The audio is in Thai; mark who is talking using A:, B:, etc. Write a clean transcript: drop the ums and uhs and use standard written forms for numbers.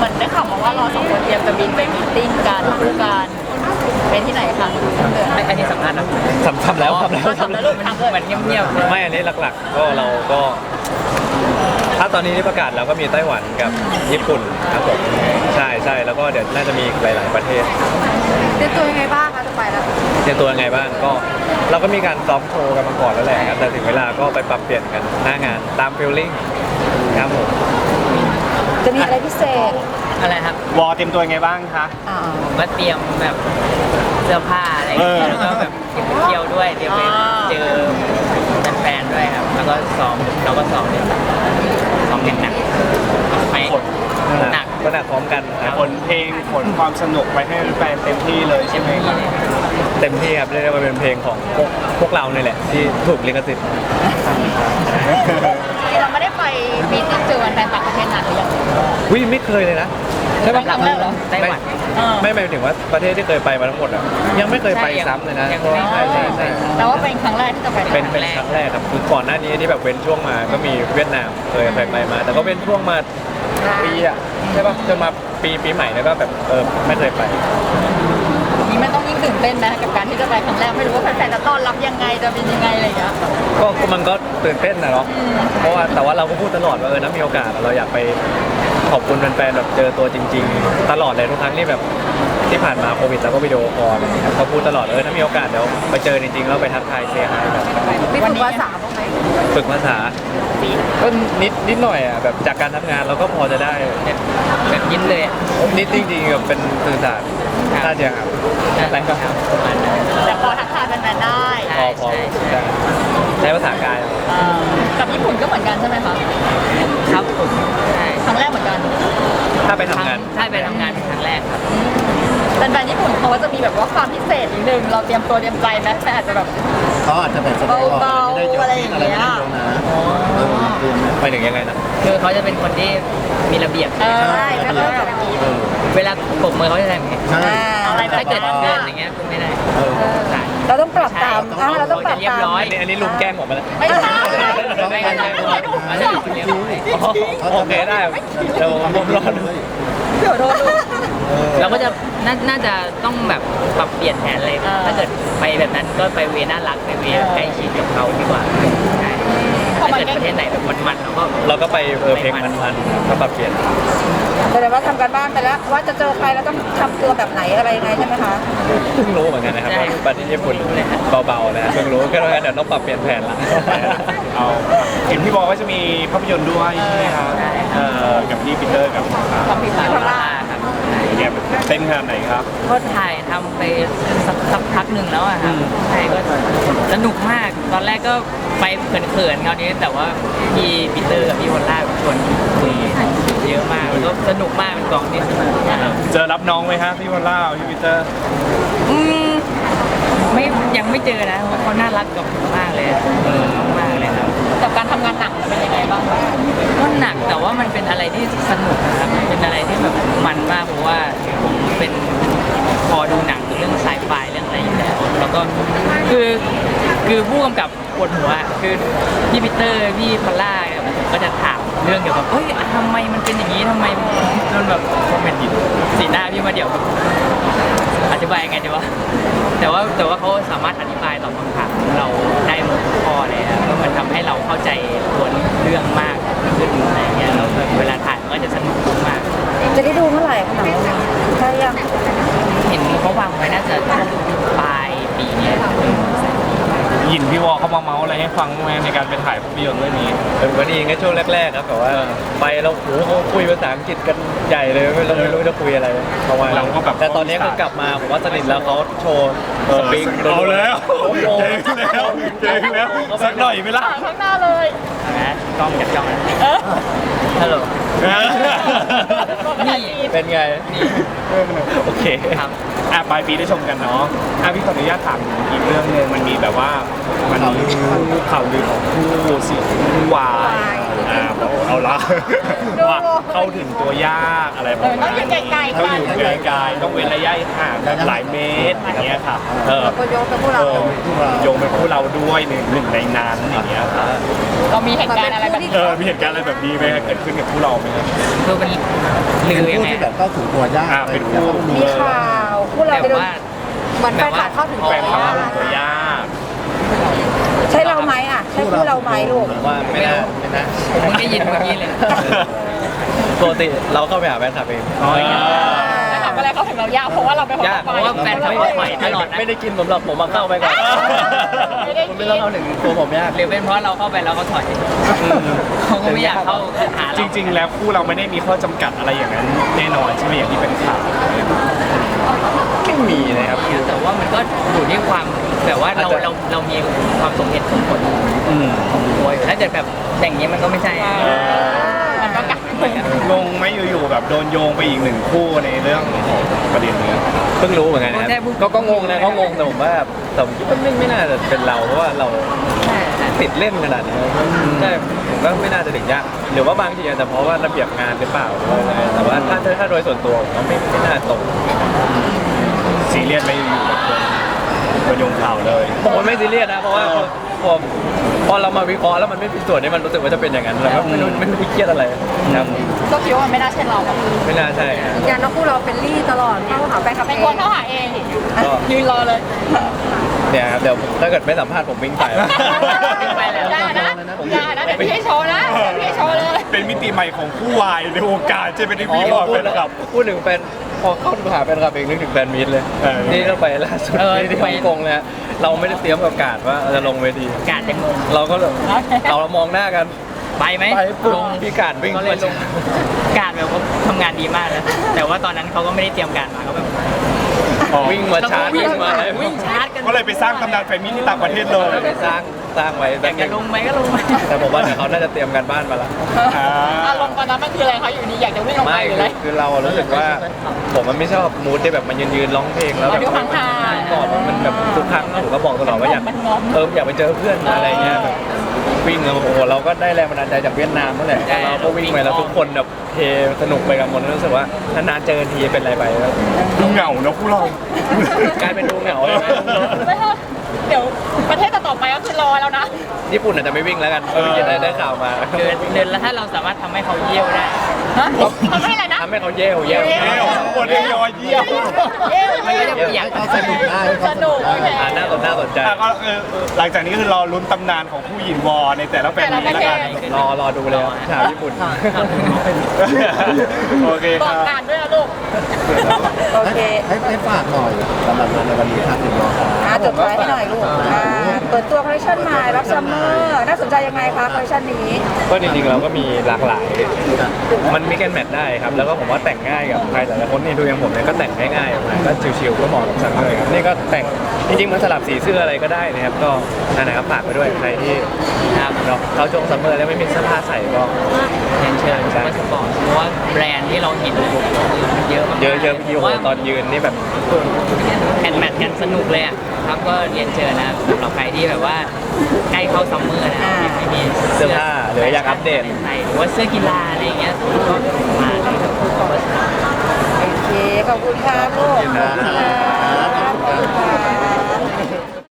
A: เหมือนได้ข่าวมาว่าเราสองคนเตรียมจะบินไปมีตติ้งกันคู่กันเป็นที่ไหนคะเดือน
B: อันนี้สำคัญนะ
C: ทำแล้ว
A: ทำแล้วลูกทำเลย
B: มันเงียบๆเลย
C: ไม่อันนี้หลักๆก็เราก็ถ้าตอนนี้ที่ประกาศเราก็มีไต้หวันกับญี่ปุ่นครับผมใช่แล้วก็เดี๋ยวน่าจะมีอีกหลายๆประเทศ
A: เตรียมตัวยังไงบ้างคะจะไปแล้ว
C: เตรียมตัวยังไงบ้างก็เราก็มีการซ้อมโชว์กันมาก่อนแล้วแหละครับแต่ถึงเวลาก็ไปปรับเปลี่ยนกันหน้างานตามฟีลลิ่งครับผม
A: จะมีอะไรพิเศษ
B: อะไรครับ
D: วอเตรียมตัวยังไงบ้างคะ
B: ก็เตรียมแบบเสื้อผ้าอะไรอย่างเงี้ยแล้วก็แบบเตรียมไปเที่ยวด้วยเตรียมไปเจอแฟนๆด้วยครับแล้วก็ซ้อมเนี่ยซ้อมอย่างหนักไปหนัก
C: ก็หนักพร้อมกันครับ
D: ขนเพลงขนความสนุกไปให้แฟนเต็มที่เลยใช่ไหมครับ
C: เต็มที่ครับเรียกได้ว่าเป็นเพลงของพวกเราเนี่ยแหละที่ถูกลิขสิทธิ์
A: เราไม่ได้ไปมีตติ้งเจอแฟนต่างประเทศนานหรือยัง
C: วิไม่เคยเลยนะใช่ปะ
A: ครั้งแรกเหรอ
B: ไต้หวัน
C: ไม่หมายถึงว่าประเทศที่เคยไปมาทั้งหมดอ่ะยังไม่เคยไปซ้ำเลยนะ
B: ยังไม่
C: ใช่
A: แต่ว่าเป็นครั้งแรกที่จะไป
C: เป็นครั้งแรกครับคือก่อนหน้านี้ที่แบบเว้นช่วงมาก็มีเวียดนามเคยไปมา แต่ก็เว้นช่วงมาปีอ่ะใช่ปะจนมาปีใหม่แล้วก็แบบไม่เคยไป
A: นี่มันต้องยิ่งตื่นเต้นไหมกับการที่จะไปครั้งแรกไม่รู้ว่าแฟนๆจะต้อนรับยังไงจะเป็นยังไงอะไรอย่างเงี้ย
C: ก็มันก็ตื่นเต้นนะเนาะเพราะว่าแต่ว่าเราก็พูดตลอดว่าถ้ามีโอกาสเราอยากไปขอบคุณแฟนๆแบบเจอตัวจริง ๆ ตลอดเลยทุกครั้งที่แบบที่ผ่านมาโควิดแล้วก็วิดีโอคอลอะไรอย่างเงี้ยเขาพูดตลอดถ้ามีโอกาสเดี๋ยวไปเจอจริงๆแล้วไปทักทายเซฮายแบบ
A: มีฝึกภาษาบ้างไหม
C: ฝึกภาษาก็นิดหน่อยอ่ะแบบจากการทำงานเราก็พอจะได้
B: แบบยิ้มเลยอะ
C: นิดจริงๆแบบเป็นสื่อสารน่าจะครับอะไรก็
B: ครับประมาณนั้น
A: แต่พอทักทายแฟนๆได้
C: พอได้ใช้ภาษากาย
A: กับญี่ปุ่นก็เหมือนกันใช่ไหมคะ
B: ครับผมใช่
A: ครั้งแรกเหมือนกัน
C: ถ้าไปทำงาน
B: ใช่ไปทำงานเป็นครั้งแรกครับ
A: แฟนๆญี่ปุ่นเขาก็จะมีแบบว่าความพิเศษนิดนึงเราเตรียมตัวเตรียมใจไหมแต่อาจจะแบบ
E: เขาอาจจะแบบแสดงออก
A: เบาๆ
E: ไม่ได้ยก
A: อะไรอย่างเงี้ย
E: ไม่ได้ยกนะเตรียมไหม
C: ไปถึงยังไงนะ
B: คือเขาจะเป็นคนที่มีระเบียบ
A: ใช่แล้วก็แบบ
E: เ
B: เวลาปรบมือเขาจะทำอย่างเงี้ย
E: ใช่
A: อะไรแบบ
B: ถ้าเกิดเดินอย่างเงี้ยคุณไม่ได้
E: เออ
B: ใช่
A: เราต้องปรับตาม
B: ใช่
A: เราต้องปรับ
B: เรียบ
A: ตาม
B: ร้อย
C: อันนี้ลุงแกล้งผมมาแล้ว
A: ไม่ใช่
B: ไม่กันเลยเรียบร้อย
C: โอเคได้เดี๋ยวผมรอดู
A: เดี๋ยวโดนดู
B: เราก็จะน่าจะต้องแบบปรับเปลี่ยนแผนเลย ถ้าเกิดไปแบบนั้นก็ไปเวน่ารักไปเวใกล้ชิดกับเขาดีกว่าใช่ถ้าเกิดประเทศไหนแบบมันๆเราก็
C: เราก็ไปเพลงมันๆก็ปรับเปลี่ยน
A: แสดงว่าทำการบ้านไปแล้วว่าจะเจอใครแล้วต้องทำตัวแบบไหนอะไรยังไงใช่ไหมคะ
C: เพิ่งรู้เหมือนกันนะครับว่าประเทศญี่ปุ่นเบาๆนะเพิ่งรู้ก็เลยเดี๋ยวต้องปรับเปลี่ยนแผนละ
D: เอาเห็นพี่บอกว่าจะมีภาพยนตร์ด้วยใช่ไหมครับกับพี่ปีเตอร์กับ
A: ความผิดพลาด
B: พลาครับ
D: แกเต้นขนาดไหนครับ
B: ก็ถ่ายทำไปสักพักหนึ่งแล้วอะครับใช่ก็สนุกมากตอนแรกก็ไปเขินๆคราวนี้แต่ว่าพี่ปีเตอร์กับพี่วอลล่าชวนคุยเยอะมากแล้วก็สนุกมากเป็นกองที่สนุกมาก
D: เจอรับน้องไหมฮะพี่วอลล่าพี่ปีเตอร์
B: อืมไม่ยังไม่เจอนะเพราะเขาน่ารักกับผมมากเลยมากเลยครับ
A: กับการทำงานหนักเป็นยังไงบ้าง
B: ก็หนักแต่ว่ามันเป็นอะไรที่สนุกนะครับเป็นอะไรที่แบบมันมากเพราะว่าผมเป็นพอดูหนังเรื่องไซไฟเรื่องอะไรอยู่แล้วแล้วก็คือผู้กำกับปวดหัวคือพี่ปีเตอร์พี่พอลล่าก็จะถามเรื่องเกี่ยวกับเฮ้ยทำไมมันเป็นอย่างนี้ทำไมมันแบบผมเป็นสีหน้าพี่มาเดี๋ยวอธิบายยังไงดีวะแต่ว่าเขาสามารถอธิบายตอบคำถามเราได้หมดทุกข้อเลยครับแล้วมันทำให้เราเข้าใจตัวเรื่องมากขึ้นอะไรเงี้ยแล้วเวลาถ่ายมันก็จะสนุกมาก
A: จะได้ดูเมื่อไหร่คะหนังใช่ยัง
B: เห็นเขาวางไว้น่าจะปลายปีเนี้ย
D: ยินพี่วอเขามาเมาส์อะไรให้ฟังไหมในการไปถ่ายภาพยนตร์เรื่องนี้
C: เป็นวันนี้ก็ช่วงแรกๆครับแต่ว่าไปเราโอ้โหคุยภาษาอังกฤษกันใหญ่เลยเราไม่รู้จะคุยอะไรประมาณ
D: เราก็แบบ
C: แต่ตอนนี้ก็กลับมาผมว่าสนิทแล้วเขาโชว์สปริง
D: เอาแล้ว
C: โอ้โห
D: เก่งแล้วสักหน่อยไหมล่ะ
A: ข้างหน้าเลย
B: นะกล้องจับจ้องนะฮัลโหล นี่
C: เป็นไงโอเค
B: ครับ
D: ปลายปีได้ชมกันเนาะพี่ขออนุญาตถามอีกเรื่องนึงมันมีแบบว่ามันมีข่าวลือของคู่ซีคู่วายเอาละว่าเข้าถึงตัวยากอะไรประ
A: ต้
D: มา
A: อง
D: ณ
A: อยู่ไกลๆ
D: ต้อง
A: กั
D: อน ยู่ไกลๆต้องเว้นระยะห่างกันหลายเมตรอย่างเงี้ยค่ะ
A: แล้วก็ยกเป็นพวกเรา
D: โยงเป็นคู่เราด้วยหนึ่งในนั้นอย่างเงี้ยค่ะ
A: เรามีเหตุการณ์อะไรแบบนี้
D: มีเหตุการณ์อะไรแบบนี้ไหมเกิดขึ้นกับคู่เราไหมครับ
B: คือมัน
E: เป็น
B: ลือยัง
E: คู่
B: ไง
E: ที่แบบเข้าถึงตัวยาก
D: เป็นคู่
F: มีข่าวคู่เรา
B: แต่
F: ไปโดน
B: ว่า
F: เหมือนแฟนคลับเข้าถึง
D: แฟ
F: ตัวน
D: คลับ
F: ยาก
D: ตัวยาก
F: ใช่เราไหมอ่ะ ใช่คู่เราไหมลูก
C: ว่าไม่น่า
B: ผมเพิ่งได้ยินเมื่อกี้เลย
C: ปกติเราเข้าไปหาแฟนคลับเอง
A: จะทำอะไรเขาถึงเรายากเพราะว่าเราเป็นคน
C: ยาก
A: ต่อ
B: เพราะว่าแฟนคลับเขาปล่อยตลอดนะ
C: ไม่ได้กินผมหรอกผมมาเข้าไปก่อน
A: ไม่ได้
C: คุณ
A: กิ
C: ไม่
A: น
C: ต้องเข้าถึงตัวผมยาก
B: หรือเป็นเพราะเราเข้าไปแล้วเขาถอยเขาก็ไม่อยากเข้าหาเรา
D: จริง ๆ แล้วคู่เราไม่ได้มีข้อจำกัดอะไรอย่างนั้นแน่นอนใช่ไหมอย่างที่เป็นข่าว
C: ไม่มีนะครับ
B: แต่ว่ามันก็อยู่ที่ความแบบว่าเรามีความสมเหตุสมผลของตัวอยู่ถ้าเกิดแบบอย่างนี้มันก็ไม่ใช่
A: มันก็กัด
D: งงไหมอยู่ๆแบบโดนโยงไปอีกหนึ่งคู่ในเรื่องของประเด็นนี้
C: เพิ่งรู้เหมือนกันนะครับก็งงนะเขางงแต่ผมว่าแต่ผมคิดว่าไม่น่าจะเป็นเราเพราะว่าเราติดเล่นขนาดนี้ใช่ผมก็ไม่น่าจะถึงยากหรือว่าบางทีอาจจะเพราะว่าระเบียบงานหรือเปล่าแต่ว่าถ้าโดยส่วนตัวผมว่าไม่น่าตรง
D: ซีเรียสไม่อยู่กับคนโยงข่าวเลย
C: ผมว่าไม่ซีเรียสนะเพราะว่าพอเรามาวิเคราะห์แล้วมันไม่เป็นส่วนที่มันรู้สึกว่าจะเป็นอย่างนั้นแล้วก็ไม่รู้เครียดอะไรครับ
A: ก็คิดว่ามันไม่น่าใช่เราแบบ
C: ไม่น่าใช่
F: ยืนยันว่าคู่เราเป็นลี่ตลอดเข้าหาแฟนคลับ
A: เป็น
F: เอ
A: คน
F: ง
A: เข้าหาเอง
C: ก็
A: ยืนรอเลย
C: เนี่ยครับเดี๋ยวถ้าเกิดไม่สัมภาษณ์ผมวิ่งไป
B: ไปแล้ว
A: อย่านะอย่านะเดี๋ยวพี่ให้โชว์นะเดี๋ยวพี่ให้โชว์เลย
D: เป็นมิติใหม่ของคู่วายในวงการใช่ไหมที่พี่บอกเป็นกับ
C: พูดถึงแฟนพอเข้าหาแฟนคลับเองนึกถึงแฟนมีตเลย นี่ก็ไปล่าสุดที่ฮ่องกงเลยเราไม่ได้เตรียมกับการว่าจะลงเวที
B: การจะงง
C: เราก็เรามองหน้ากัน
B: ไปไหม
C: ไปปุ๊บ
B: ลง
C: พี่การวิ่ง
B: ก็เลยลงการแบบว่าทำงานดีมากนะแต่ว่าตอนนั้นเขาก็ไม่ได้เตรียมการมาเขาแบบ
C: วิ่งมาชาร์จ
B: วิ่
C: วิ่
B: ง
C: งมาเลย
B: วิ่งชาร์จกัน
D: ก็เลยไปสร้างตำนานแฟมิลี่ที่ต่างประเทศเลย
C: ไปสร้างไว้
B: อ
C: แบ
B: ยา
C: บ
B: กจะลงไหมก็ลงไป
C: แต่ผมว่าเดี๋ยวเขาน่าจะเตรียมการบ้านมาละ
A: อารมณ์ตอนนั้นมันคืออะไรคะอยู่ดีอยากจะวิ่งลงไป
C: ไม่
A: หรืออะไร
C: คือเรารู้สึกว่าผมมันไม่ชอบมูดที่แบบมันยืนร้องเพลงแล้วแบบ
A: ดูห่างๆ
C: ก่อนมันแบบทุกครั้งผมก็บอกตลอดว่าอยาก
A: มันงอม
C: อยากไปเจอเพื่อนอะไรเงี้ยแบบวิ่งแล้วโอ้โหเราก็ได้แรงบันดาลใจจากเวียดนามนั่นแหละเราก็วิ่งไปแล้วทุกคนแบบเฮสนุกไปกันหมดรู้สึกว่านานๆเจอทีเป็นไรไปแล้ว
D: ดูเหงาเนอะคู่เรา
C: กลายเป็นดูเหงาเลยนะ
A: ไม่เถอะเดี๋ยวประเทศต่อไปก็คือรอแล้วนะ
C: ญี่ปุ่นอาจจะไม่วิ่งแล้วกันได้ข่าวมา
B: เดินแล้วถ้าเราสามารถทำให้เขาเยี่ยวได้
A: ฮะทำให้อะไรนะ
C: ทำให้เขาเย่
D: เยี่ยวคนเดียวยอเยี่ยว
B: มันก็จะเปียก
E: เขาสนุกได้
A: สนุกโอเค
C: น่าสนใจ
D: ก็หลังจากนี้ก็คือรอลุ้นตำนานของผู้หญิงวอในแต่ละแฟนมีแล้วกัน
C: รอดูเลยชาวญี่ปุ่น
D: โอเค
A: บ
D: ค
A: อก
D: รับ
A: การด้วยนะลูก
F: โอเค
E: ให้ฝากหน่อยสำหรับงานในวันนี้ครับถึงรอครับ
F: จดไว้ให้หน่อยลูกเปิดตัวคอลเลคชันใหม่รับซัมเมอร์น่าสนใจยังไงคะคอลเลคชันนี้
C: ก็จริงๆเราก็มีหลากหลาย มันมีกันแมทได้ครับ แล้วก็ผมว่าแต่งง่ายกับใครแต่ละคนนี่ดูอย่างผมเนี่ยก็แต่งง่ายๆออกมาก็ชิวๆก็เหมาะกับซัมเมอร์ครับนี่ก็แต่งจริงๆมันสลับสีเสื้ออะไรก็ได้นะครับก็นั่นนะครับฝากไปด้วยใครที่
B: ครับ
C: เนาะเขาช่วงซัมเมอร์แล้วไม่มีเสื้อผ้าใส่ก็
B: เรียนเชิญซูเปอร์สปอร์ตเพราะว่าแบรนด์ที่เราเห็นเยอะมาก
C: เยอะพี่โอ้โหตอนยืนนี่แบบ
B: แอนแมทกันสนุกเลยอ่ะครับก็เรียนเชิญนะสำหรับใครที่แบบว่าใกล้เข้าซัมเมอร์นะยังไม่มี
C: เสื้อผ้าหรืออยากอัปเดต
B: ใส่หรือว่าเสื้อกีฬาอะไรอย่างเงี้ยก็มาเลยครับ
F: โอเค ขอบคุณค่ะลูก
C: ขอบคุณครับ
F: ขอบคุณค่ะ